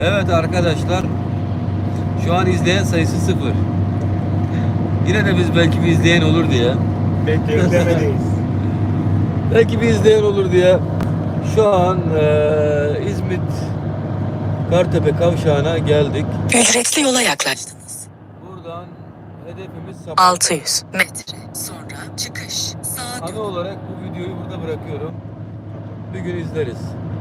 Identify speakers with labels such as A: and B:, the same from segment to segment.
A: Evet arkadaşlar, şu an izleyen sayısı 0. Yine de biz belki bir izleyen olur diye.
B: Beklemedeyiz.
A: Belki bir izleyen olur diye. Şu an İzmit Kartepe kavşağına geldik.
C: Ücretli yola yaklaştınız.
A: Buradan hedefimiz Sapanca.
C: 600 metre sonra çıkış. Sağa
A: Anı olarak bu videoyu burada bırakıyorum. Bir gün izleriz.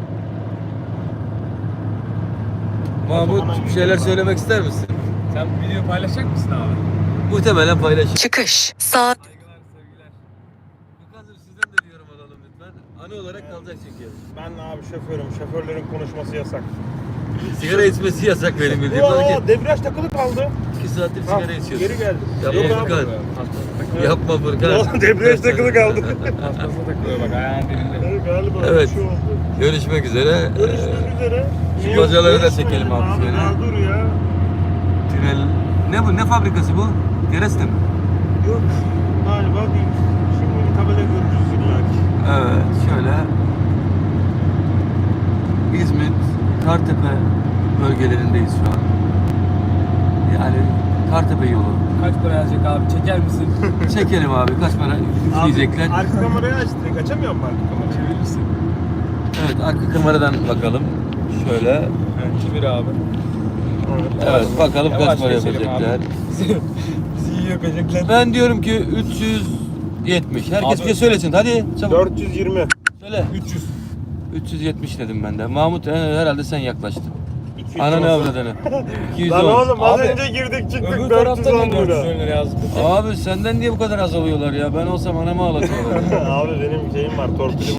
A: Mahmut, bir şeyler söylemek ister misin?
B: Sen video paylaşacak mısın abi?
A: Muhtemelen paylaşır.
C: çıkış. Sağ
A: Saygılar, sevgiler. Lukas'ım sizden de bir yorum alalım lütfen. Anı olarak kalacak çünkü.
B: Ben abi şoförüm. Şoförlerin konuşması yasak.
A: Sigara içmesi yasak benim bildiğim.
B: Yo, debriyaj takılı kaldı.
A: 2 saattir sigara içiyorsun.
B: Geri geldim.
A: Yapma
B: Yok abi.
A: Furkan. Yapma Furkan.
B: Oğlum, debriyaj takılı kaldı.
D: Kafasına takılıyor bak ayağın dibinde.
B: Galiba
A: Evet.
B: bir şey oldu.
A: Görüşmek üzere.
B: Görüşmek üzere.
A: şu bacaları da
B: Görüşmeyelim
A: çekelim abi şöyle.
B: Ya dur ya.
A: Tünel. Ne bu? Ne fabrikası bu? Gereste mi?
B: Yok. Galiba değil. Şimdi bir tabela görürüz illaki.
A: Evet. Şöyle. İzmit, Kartepe bölgelerindeyiz şu an. Yani Kartepe yolu.
D: Kaç para yazacak abi? Çeker misin?
A: Çekelim abi. Kaç para diyecekler.
B: Arka kamerayı aç direkt. Açamıyor mu arka kamerayı?
D: Çevirir misin?
A: Evet. Arka kameradan bakalım. Şöyle.
D: Evet, çevir abi.
A: Evet. Bakalım kaç
D: Yavaş
A: para
D: geçelim
A: yapacaklar.
D: abi. Bizi iyi yapacaklar.
A: Ben diyorum ki 370. Herkes
D: Abi-
A: bir şey söylesin. Hadi çabuk.
B: 420.
A: Söyle.
D: 300.
A: 370 dedim ben de. Mahmut herhalde sen yaklaştın.
B: 200
A: Ananı
B: olsun.
A: avradını. 210.
B: Lan oğlum az
D: Abi,
B: önce girdik çıktık
D: Öbür
B: 410
D: taraftan da 400
B: lira.
D: lira yazdık.
A: Abi senden niye bu kadar az alıyorlar ya? Ben olsam anamı ağlatıyorlar.
B: Abi benim şeyim var torpilim